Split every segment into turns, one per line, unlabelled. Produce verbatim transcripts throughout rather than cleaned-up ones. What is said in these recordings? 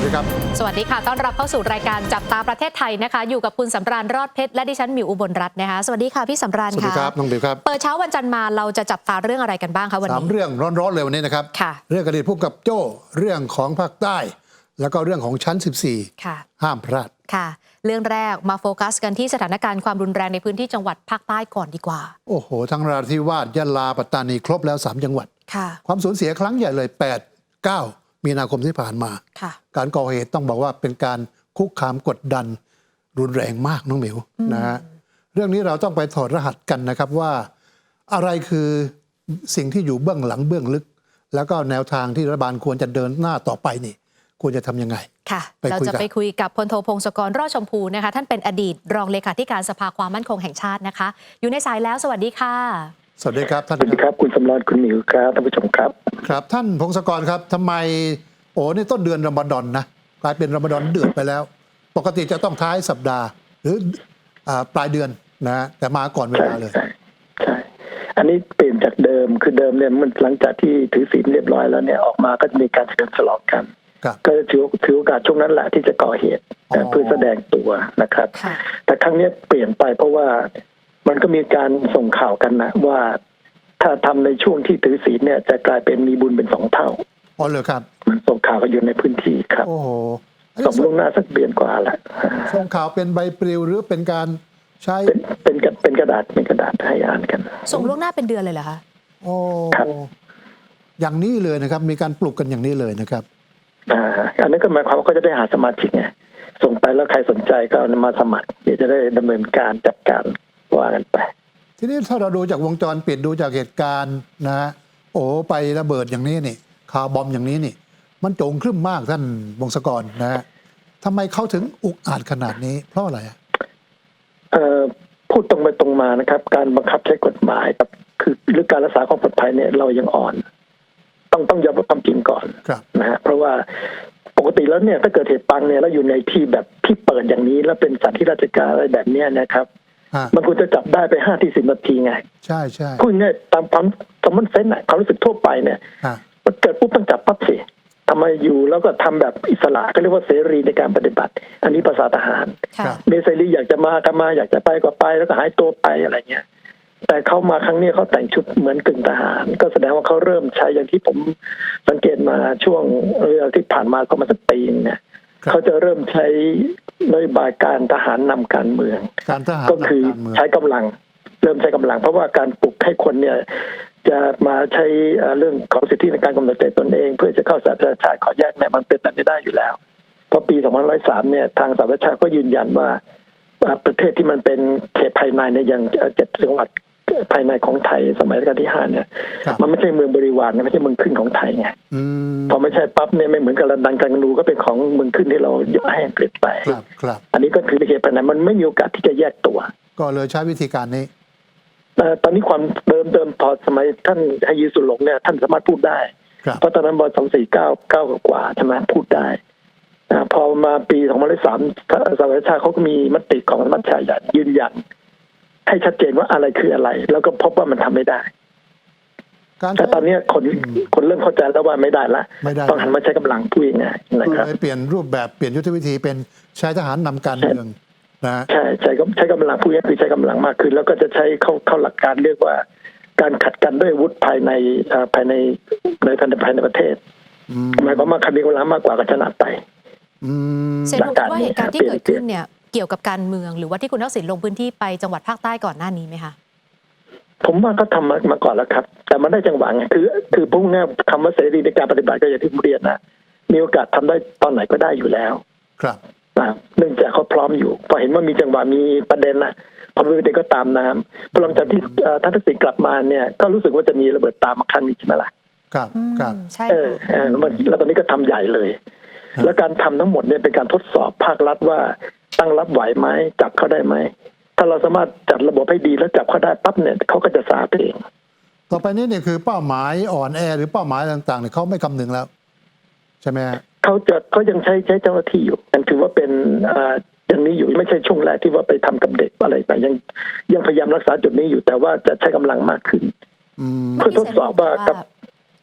ดีครับ
สวัสดีค่ะต้อนรับเข้าสู่รายการจับตาประเทศไทยนะคะอยู่กับคุณสำราญรอดเพชรและดิฉันหมิวอุบลรัตน์นะคะสวัสดีค่ะพี่สำราญค่ะ
สวัสดีครับน้องบิวครับ
เปิดเช้าวันจันทร์มาเราจะจับตาเรื่องอะไรกันบ้างคะวันนี้
สามเรื่องร้อนๆเลยวันนี้นะครับ
ค่ะ
เรื่องอดีตผู้กำกับโจ้เรื่องของภาคใต้แล้วก็เรื่องของชั้นสิบสี่
ค่ะ
ห้ามพลาด
ค่ะเรื่องแรกมาโฟกัสกันที่สถานการณ์ความรุนแรงในพื้นที่จังหวัดภาคใต้ก่อนดีกว่า
โอ้โหทั้งนราธิวาสยะลาปัตตานีครบแล้วสามจังหวัด
ค่ะ
ความสูญเสียครั้งใหญ่เลยแปด เก้ามีนาคมที่ผ่านมา
ค่ะ
การก่อเหตุต้องบอกว่าเป็นการคุกคามกดดันรุนแรงมากน้องหมิวนะฮะเรื่องนี้เราต้องไปถอดรหัสกันนะครับว่าอะไรคือสิ่งที่อยู่เบื้องหลังเบื้องลึกแล้วก็แนวทางที่รัฐบาลควรจะเดินหน้าต่อไปนี่ควรจะทำยังไง
ค่ะเราจะไปคุยกับพลโทพงศกรรอดชมพูนะคะท่านเป็นอดีตรองเลขาธิการสภาความมั่นคงแห่งชาตินะคะอยู่ในสายแล้วสวัสดีค่ะ
สวัสดีครับท่าน
สวัสดีครับคุณสำราญคุณหมิวครับท่านผู้ชมครับ
ครับท่านพงศกรครับทำไมโอ้นี่ต้นเดือนรอมฎอนนะกลายเป็นรอมฎอนเดือดไปแล้วปกติจะต้องท้ายสัปดาห์หรือปลายเดือนนะแต่มาก่อนเวลาเลย
ใช่ใช่อันนี้เปลี่ยนจากเดิมคือเดิมเนี่ยมันหลังจากที่ถือศีลเรียบร้อยแล้วเนี่ยออกมาก็จะมีการเฉลิมฉลองกันก็จะถือถือโอกาสช่วงนั้นแหละที่จะก่อเหตุเพื่อแสดงตัวนะครับแต่ครั้งนี้เปลี่ยนไปเพราะว่ามันก็มีการส่งข่าวกันนะว่าถ้าทำในช่วงที่ถือศีลเนี่ยจะกลายเป็นมีบุญเป็นสองเท่า
อ๋อเลยครับ
มันส่งข่าวกันอยู่ในพื้นที่ครับ
โอ้โห
ส่งล่วงหน้าสักเดือนกว่าแหละ
ส่งข่าวเป็นใบปลิวหรือเป็นการใช้
เป็นเป็นเป็นกระดาษเป็นกระดาษให้อ่านกัน
ส่งล่วงหน้าเป็นเดือนเลยเหรอคะ
โอ้อย่างนี้เลยนะครับมีการปลุกกันอย่างนี้เลยนะครับ
อ่าอันนี้ก็หมายความว่าก็จะได้หาสมาชิกไงส่งไปแล้วใครสนใจก็มาสมัครเดี๋ยวจะได้ดำเนินการจัดการว่ากันไป
ทีนี้ถ้าเราดูจากวงจรปิดดูจากเหตุการณ์นะฮะโอ้ไประเบิดอย่างนี้นี่คาร์บอมอย่างนี้นี่มันโจงครึ่มมากท่านวงศกรนะฮะทำไมเขาถึงอุกอาจขนาดนี้เพราะอะไรอ่ะ
เอ่อพูดตรงไปตรงมานะครับการบังคับใช้กฎหมายครับคือหรือการรักษาความปลอดภัยเนี่ยเรายังอ่อนต้องต้องยอมรับความจริงก่อนนะฮะเพราะว่าปกติแล้วเนี่ยถ้าเกิดเหตุปังเนี่ยแล้วอยู่ในที่แบบที่เปิดอย่างนี้แล้วเป็นสถานที่ราชการอะไรแบบนี้นะครับมันควรจะจับได้ไปห้าที่สิบนาทีไง
ใช่ใช่
พูดง่ายตามความสมมติเซนส์ความรู้สึกทั่วไปเนี่ยมันเกิดปุ๊บต้องจับปั๊บสิทำไมอยู่แล้วก็ทำแบบอิสระก็เรียกว่าเสรีในการปฏิบัติอันนี้ภาษาทหารเมเสรีอยากจะมาก็มาอยากจะไปก็ไปแล้วก็หายตัวไปอะไรเงี้ยแต่เขามาครั้งนี้เขาแต่งชุดเหมือนกึ่งทหารก็แสดงว่าเขาเริ่มใช้อย่างที่ผมสังเกตมาช่วงเวลาที่ผ่านมาประมาณสักปีเนี่ยเขาจะเริ่มใช้นโยบายการทหารนำการเมืองก็คือใช้กำลังเริ่มใช้กำลังเพราะว่าการปลุกให้คนเนี่ยจะมาใช้เรื่องของสิทธิในการกำหนดใจตนเองเพื่อจะเข้าสหประชาชาติขอแยกเนี่ยมันเป็นไปไม่ได้อยู่แล้วเพราะปีสองพันห้าร้อยสามเนี่ยทางสหประชาชาติก็ยืนยันว่าประเทศที่มันเป็นเขตภายในในอย่างเจ็ดจังหวัดภายในของไทยสมัยรัชกาลที่ห้าเนี่ยมันไม่ใช่เมืองบริวารไม่ใช่เมืองขึ้นของไทยไงพอไม่ใช่ปั๊บเนี่ยไม่เหมือนกับลันดันกันนูก็เป็นของเมืองขึ้นที่เรายกให้อังกฤษไปอันนี้ก็คือเขตภายในมันไม่มีโอกาสที่จะแยกตัว
ก็เลยใช้วิธีการนี้
ตอนนี้ความเดิมเดิมพอสมัยท่านไฮยีสุหลงเนี่ยท่านสามารถพูดได้เพราะตอนนั้นบอลสองสี่เก้าเก้ากว่าใช่ไหมพูดได้พอมาปีสองพันสามสหประชาชาติเขาก็มีมติของสมัชชาใหญ่ยืนยันให้ชัดเจนว่าอะไรคืออะไรแล้วก็พบว่ามันทำไม่ได้แต่ตอนนี้คนคนเริ่มเข้าใจแล้วว่าไม่ได้ละต้องหันมาใช้กำลังพูดง่ายๆนะครับ
เปลี่ยนรูปแบบเปลี่ยนยุทธวิธีเป็นใช้ทหารนำการเมืองนะ
ใช่ใช้ใช้กำลังพูดง่ายคือใช้กำลังมากขึ้นแล้วก็จะใช้เข้าเข้าหลักการเรียกว่าการขัดกันด้วยอาวุธภายในภายในในภายในประเทศหมายความว่าใครมีกำลังมากกว่าก็ชนะไป
เซนรู้ว่าเหตุการณ์ที่เกิดขึ้นเนี่ยเกี่ยวกับการเมืองหรือว่าที่คุณทักษิณลงพื้นที่ไปจังหวัดภาคใต้ก่อนหน้านี้ไหมคะ
ผมว่าก็ทำมามาก่อนแล้วครับแต่มันได้จังหวะไงคือคือพูดง่ายคำว่าเสรีในการปฏิบัติก็อย่างที่ผมเรียนนะมีโอกาสทำได้ตอนไหนก็ได้อยู่แล้ว
ครับ
เนื่องจากเขาพร้อมอยู่พอเห็นว่ามีจังหวะมีประเด็นนะพอมีประเด็นก็ตามน้ำพอหลังจากที่ท่านทักษิณกลับมาเนี่ยก็รู้สึกว่าจะมีระเบิดตามมาครั้งนี้ใช่ไหมล่ะ
ครับครับ
ใช่
เออแล้วตอนนี้ก็ทำใหญ่เลยแล้วการทำทั้งหมดเนี่ยเป็นการทดสอบภาครัฐว่าตั้งรับไหวไหมจับเขาได้ไหมถ้าเราสามารถจัดระบบให้ดีแล้วจับเขาได้ปั๊บเนี่ยเขาก็จะสาเอง
ต่อไปนี้เนี่ยคือเป้าหมายอ่อนแอหรือเป้าหมายต่างๆเนี่ยเขาไม่คำนึงแล้วใช่ไหมฮะ
เขาจะเขายังใช้ใช้เจ้าหน้าที่อยู่ยังถือว่าเป็นอ่าอย่างนี้อยู่ไม่ใช่ช่วงแรกที่ว่าไปทำกับเด็กอะไรไปยังยังพยายามรักษาจุดนี้อยู่แต่ว่าจะใช้กำลังมากขึ้นเพื่อทดสอบว่ากับ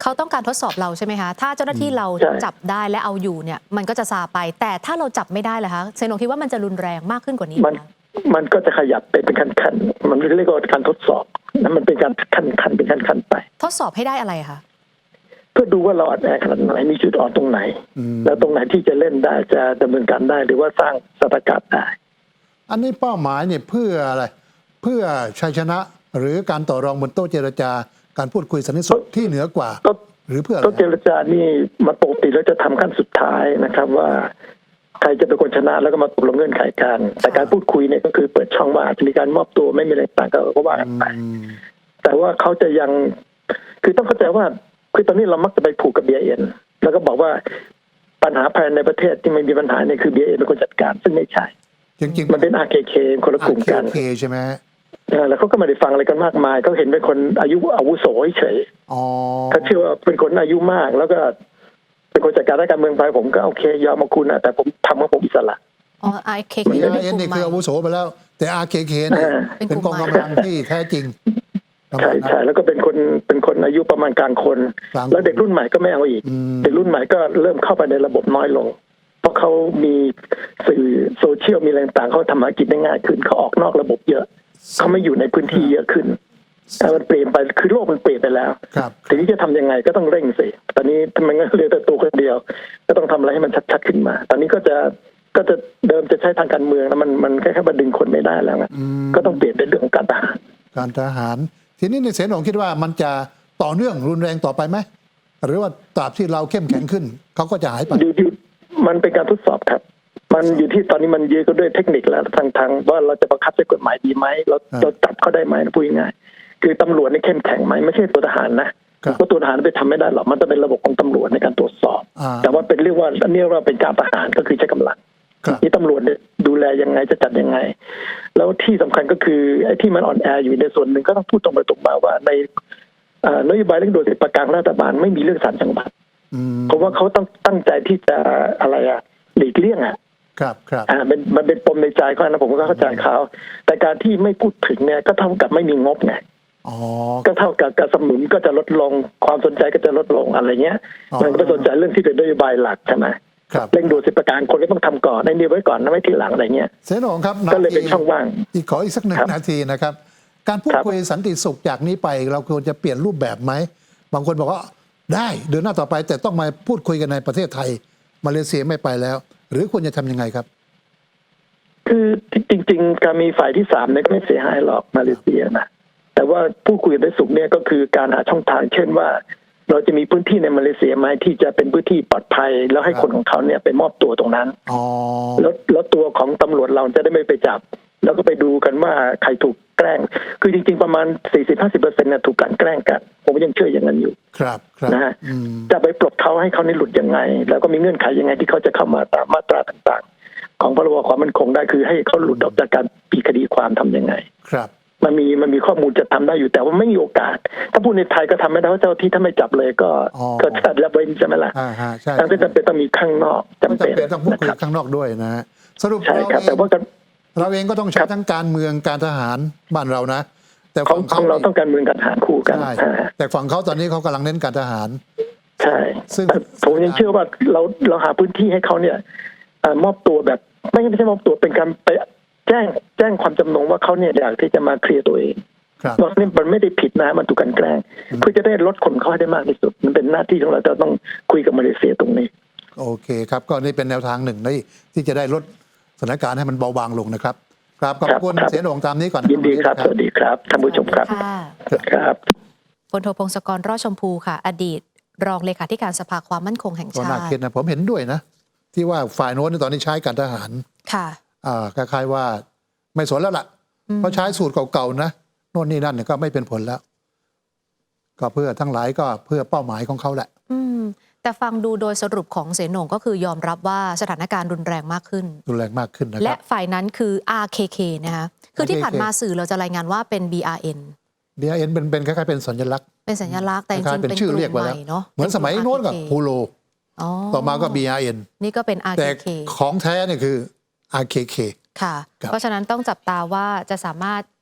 เขาต้องการทดสอบเราใช่ไหมคะถ้าเจ้าหน้าที่เรา
ใช่
จับได้และเอาอยู่เนี่ยมันก็จะซาไป แต่ถ้าเราจับไม่ได้ล่ะคะเซนงคิดว่ามันจะรุนแรงมากขึ้นกว่านี้ไห
มัน
คะ
มันก็จะขยับไปเป็นขั้นๆมันเรียกว่าการทดสอบนะมันเป็นการขั้นๆเป็นขั้นๆไป
ทดสอบให้ได้อะไรคะ
เพื่อดูว่าเราอ่อนแอขนาดไหนมีจุดอ่อนตรงไหน
อืม
แล้วตรงไหนที่จะเล่นได้จะดำเนินการได้หรือว่าสร้างสถานการณ์ได้
อันนี้เป้าหมายเนี่ยเพื่ออะไร เพื่อชัยชนะหรือการต่อรองบนโต๊ะเจรจาการพูดคุยสันติสุขที่เหนือกว่า
ก็
หรือเพื่ออะไร
ก็เจรจานี่มาปกติแล้วจะทำขั้นสุดท้ายนะครับว่าใครจะเป็นคนชนะแล้วก็มาตกลงเงื่อนไขกันแต่การพูดคุยเนี่ยก็คือเปิดช่องว่าอาจจะมีการมอบตัวไม่มีอะไรต่างก็ก็ว่ากันไป
อืม
แต่ว่าเขาจะยังคือต้องเข้าใจว่าคือตอนนี้เรามักจะไปผูกกับ บี ไอ เอ็น แล้วก็บอกว่าปัญหาภายในประเทศที่ไม่มีปัญหาเนี่ยคือ บี ไอ เอ็น เป็นคนจัดการซึ่งไม่ใช่
จริงๆ
มันเป็น อาร์ เค เค คนละกลุ่มกัน
เคใช่ไหมฮะ
เออแล้วเขาก็ไม่ได้ฟังอะไรกันมากมายเขาเห็นเป็นคนอายุอาวุโสเฉย
อ๋อ
เขาเชื่อว่าเป็นคนอายุมาก แล้วก็เป็นคนจัดการด้านการเมืองไปผมก็โอเคยอมมาคุณนะแต่ผมทำของผมอิสระ
อ๋อ ไอ เค เค
บี
เป็น
ไอก เอ็น
ลุ่ม
นี่
ใหม่
คืออาวุโสไปแล้ว แต่ อาร์ เค เค เนี่ย
อ่า
เป็นกองกำลังที่แท้จริง
ใช่ใช่แล้วก็เป็นคนเป็นคนอายุประมาณกลางคน
กลางคน
แล้วเด็กรุ่นใหม่ก็ไม่เอาอีก
อืม
เด็กรุ่นใหม่ก็เริ่มเข้าไปในระบบน้อยลง เพราะเขามีสื่อโซเชียลมีอะไรต่างเขาทำธุรกิจได้ง่ายขึ้นเขาออกนอกระบบเยอะเขาไม่อยู่ในพื้นที่เยอะขึ้นแต่มันเปลี่ยนไปคือโลกมันเปลี่ยนไปแล้ว
ครับ
ทีนี้จะทำยังไงก็ต้องเร่งสิตอนนี้ทำไมงั้นเหลือแต่ตัวคนเดียว ก็ต้องทำอะไรให้มันชัดๆขึ้นมา ตอนนี้ก็จะก็จะเดิมจะใช้ทางการเมืองแล้วมันมันแค่แค่มาดึงคนไม่ได้แล้วไง
อืม
ก็ต้องเปลี่ยนเป็นเรื่องของการทหาร
การทหาร ทีนี้ในเสนองคิดว่ามันจะต่อเนื่องรุนแรงต่อไปไหม หรือว่าตราบที่เราเข้มแข็งขึ้น เขาก็จะหายไป
อยู่อยู่มันเป็นการทดสอบครับ มันอยู่ที่ตอนนี้มันยืนก็ด้วยเทคนิคแล้วทางทางว่าเราจะบังคับใช้กฎหมายดีไหมเรา
อ่า
เราจับเขาได้ไหมพูดง่ายๆคือตำรวจนี่เข้มแข็งไหมไม่ใช่ตัวทหารนะครับ เพราะตัวทหารไปทำไม่ได้หรอกมันจะเป็นระบบของตำรวจในการตรวจสอบ
อ่า
แต่ว่าเป็นเรียกว่าอันนี้ว่าเป็นการทหารก็คือใช้กำลัง
ครับ
นี่ตำรวจเนี่ยดูแลยังไงจะจัดยังไง แล้วที่สำคัญก็คือไอ้ที่มันอ่อนแออยู่ในส่วนหนึ่งก็ต้องพูดตรงไปตรงมาว่าในเอ่อนโยบายเรื่องโดยสิทธิประกันรัฐบาลไม่มีเรื่องศาลจังหวัด
อืม
เพราะว่าเขาต้องตั้งใจที่จะอะไรอะหลีกเลี่ยงอะ
ครับครับ
อ่าเป็นมันเป็นปมในใจเขานะผมก็เข้าใจเขาแต่การที่ไม่พูดถึงเนี่ยก็เท่ากับไม่มีงบไง
อ๋อ
ก็เท่ากับการสนับสนุนก็จะลดลงความสนใจก็จะลดลงอะไรเงี้ย
อ๋อ
มันก็ไปสนใจเรื่องที่เป็นนโยบายหลักใช่ไหม
ครับ
เร่งด่วนสิทธิประกันคนก็ต้องทำก่อนในนี้ไว้ก่อนนะไม่ทีหลังอะไรเงี้ย
เสนองครับ
ก็เลยเป็นช่องว่าง
อีกขออีกสักหนึ่ง
ครับ
นาทีนะครับ การพูด
ครับ
คุยสันติสุขจากนี้ไป เราควรจะเปลี่ยนรูปแบบไหม บางคนบอกว่าได้เดินหน้าต่อไป แต่ต้องมาพูดคุยกันในประเทศไทย มาเลเซียไม่ไปแล้ว หรือควรจะทำยังไงครับ
คือจริง ๆ การมีฝ่ายที่สามเนี่ยก็ไม่เสียหายหรอกมาเลเซียนะแต่ว่าผู้คุยกันได้สุขเนี่ยก็คือการหาช่องทาง เช่นว่า เราจะมีพื้นที่ในมาเลเซียไหมที่จะเป็นพื้นที่ปลอดภัย แล้วให้คนของเขาเนี่ยไปมอบตัวตรงนั้น
อ๋อ
แล้วแล้วตัวของตำรวจเราจะได้ไม่ไปจับ แล้วก็ไปดูกันว่าใครถูกแกล้ง คือจริงๆประมาณ สี่สิบถึงห้าสิบเปอร์เซ็นต์ เนี่ยถูกกลั่นแกล้งกัน ผมยังเชื่ออย่างนั้นอยู่
ครับครับ
นะฮะ
อืม
จะไปปลดเขาให้เขานี่หลุดยังไง แล้วก็มีเงื่อนไขยังไงที่เขาจะเข้ามาตามมาตราต่างๆ ของพรบความมั่นคงได้คือให้เขาหลุดออกจากการปีคดีความทำยังไง
ครับ
มันมีมันมีข้อมูลจะทำได้อยู่แต่ว่าไม่มีโอกาส ถ้าพูดในไทยก็ทำไม่ได้เพราะเจ้าที่ถ้าไม่จับเลยก็
อ๋อ
ก็จัดแล้วเว้นใช่ไหมล่ะ
อ่าฮะใช่
ทั้งที่จำเป็นต้องมีข้างนอกจำ
ไม่
เป็น
จำเป็นต้องพูดคุย
นะครับ
ข้างนอกด้วยนะฮะสรุป
ใช่
เรา
ครับ
เอ
แต่
ง
ว่ากัน
เราเองก็ต้องใช้
ครับ
ทั้งการเมืองการทหารบ้านเรานะ แต่
ของ
ฝั่ง
ข
เขา
องเราต้องการเมืองการทหารคู่กัน
ใช่
อ่า
แต่ฝั่งเขาตอนนี้เขากำลังเน้นการทหาร
ใช่
ซึ่ง
แต่ผมยังเชื่อว่าเราเราหาพื้นที่ให้เขาเนี่ยเอ่อมอบตัวแบบไม่ไม่ใช่มอบตัวเป็นการไปแจ้งแจ้งความจำนงว่าเขาเนี่ยอยากที่จะมาเคลียร์ตัวเอง
ครับ
เพราะนี่มันไม่ได้ผิดนะมันถูกกลันแกล้งเพื่อจะได้ลดคนเขาให้ได้มากที่สุด มันเป็นหน้าที่ของเราจะต้องคุยกับมาเลเซียตรงนี้
โอเคครับ ก็นี่เป็นแนวทางหนึ่งที่ที่จะได้ลดสถานการณ์ให้มันเบาบางลงนะครับ ครับขอบคุณ
ครับ
เสียโหน่งตามนี้ก่อน
ยินดีครับ สวัสดีครับท่านผู้ชมครับ
ค่ะ
ครับ
พลโทพงศกรรอดชมพูค่ะ อดีต รองเลขาธิการสภาความมั่นคงแห่ง
ก็
ชา
น่า
ติ
คิดนะผมเห็นด้วยนะ ที่ว่าฝ่ายโน้นตอนนี้ใช้การทหาร
ค่ะ
อ่าคล้ายๆว่าไม่สนแล้วล่ะ
อืม
เพราะใช้สูตรเก่าๆนะโน่นนี่นั่นเนี่ยก็ไม่เป็นผลแล้ว ก็เพื่อทั้งหลายก็เพื่อเป้าหมายของเขาแหละ
อืมแต่ฟังดูโดยสรุปของเสนงก็คือยอมรับว่าสถานการณ์รุนแรงมากขึ้น
รุนแรงมากขึ้นนะค
และ
รับ
ฝ่ายนั้นคือ อาร์ เค เค นะคะคือที่ผ่านมาสื่อเราจะรายงานว่าเป็น บี อาร์ เอ็น
บี อาร์ เอ็น เป็นเป็นคล้ายๆเป็นสัญลักษณ์
เป็นสัญลักษณ์แต่จ
คล้า
ริ
ย
ง
ๆ
ๆ
เป็น
เป็น
ชื่
ก
อ
ลุ่
เรียก
ม
ไว้
ให
แล้ว
ม่เนาะ
เหมือนสมัยโน้นกับ
เป็
พูโล
อ๋อ
ต่อมาก็ บี อาร์ เอ็น
นี่ก็เป็น อาร์
แต่
เค เค
ของแท้เนี่ยคือ อาร์ เค เค
ค่ะ
ครับ
เพราะฉะนั้นต้องจับตาว่าจะสามารถ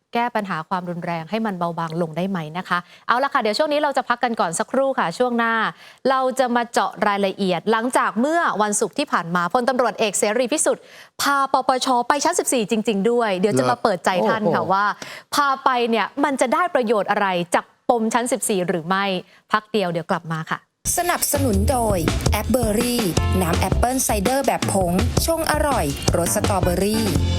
แก้ปัญหาความรุนแรงให้มันเบาบางลงได้ไหมนะคะเอาละค่ะเดี๋ยวช่วงนี้เราจะพักกันก่อนสักครู่ค่ะช่วงหน้าเราจะมาเจาะรายละเอียดหลังจากเมื่อวันศุกร์ที่ผ่านมาพลตำรวจเอกเสรีพิสุทธิ์พาปปชไปชั้นสิบสี่จริงๆด้วยเดี๋ยวจะมาเปิดใจท่านค่ะว่าพาไปเนี่ยมันจะได้ประโยชน์อะไรจากปมชั้นสิบสี่หรือไม่พักเดียวเดี๋ยวกลับมาค่ะ
สนับสนุนโดยแอปเบอรี่น้ำแอปเปิลไซเดอร์แบบผงชงอร่อยรสสตรอเบอรี่